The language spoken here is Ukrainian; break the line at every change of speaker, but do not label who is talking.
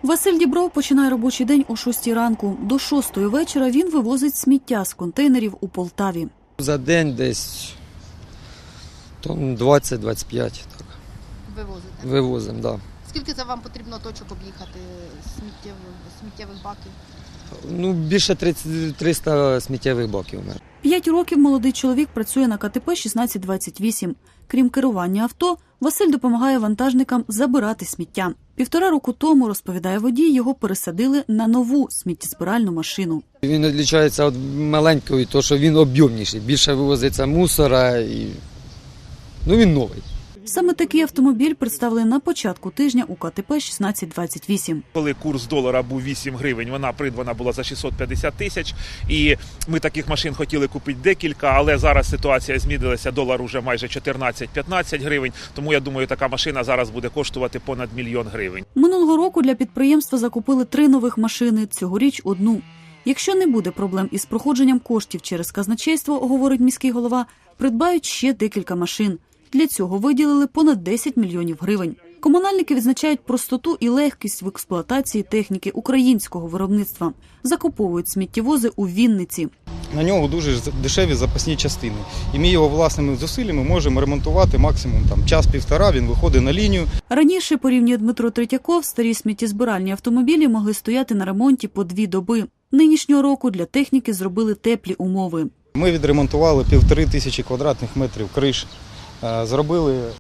Василь Дібров починає робочий день о 6 ранку. До 6 вечора він вивозить сміття з контейнерів у Полтаві.
За день десь тонн 20-25 так.
Вивозите?
Вивозимо, так. Да.
Скільки це вам потрібно точок об'їхати сміттєвих баків?
Ну, більше 300 сміттєвих баків.
5 років молодий чоловік працює на КТП 1628. Крім керування авто, Василь допомагає вантажникам забирати сміття. 1,5 року тому, розповідає водій, його пересадили на нову сміттєзбиральну машину.
Він відрізняється від маленької, тому що він об'ємніший. Більше вивозиться мусора і він новий.
Саме такий автомобіль представили на початку тижня у КТП 1628.
Коли курс долара був 8 гривень, вона придбана була за 650 тисяч. І ми таких машин хотіли купити декілька, але зараз ситуація змінилася, долар уже майже 14-15 гривень. Тому я думаю, така машина зараз буде коштувати понад 1 мільйон гривень.
Минулого року для підприємства закупили 3 нових машини, цьогоріч – 1. Якщо не буде проблем із проходженням коштів через казначейство, говорить міський голова, придбають ще декілька машин. Для цього виділили понад 10 мільйонів гривень. Комунальники відзначають простоту і легкість в експлуатації техніки українського виробництва. Закуповують сміттєвози у Вінниці.
На нього дуже дешеві запасні частини. І ми його власними зусиллями можемо ремонтувати максимум час-півтора, він виходить на лінію.
Раніше, порівнює Дмитро Третьяков, старі сміттєзбиральні автомобілі могли стояти на ремонті по 2 доби. Нинішнього року для техніки зробили теплі умови.
Ми відремонтували 1500 квадратних метрів криш, зробили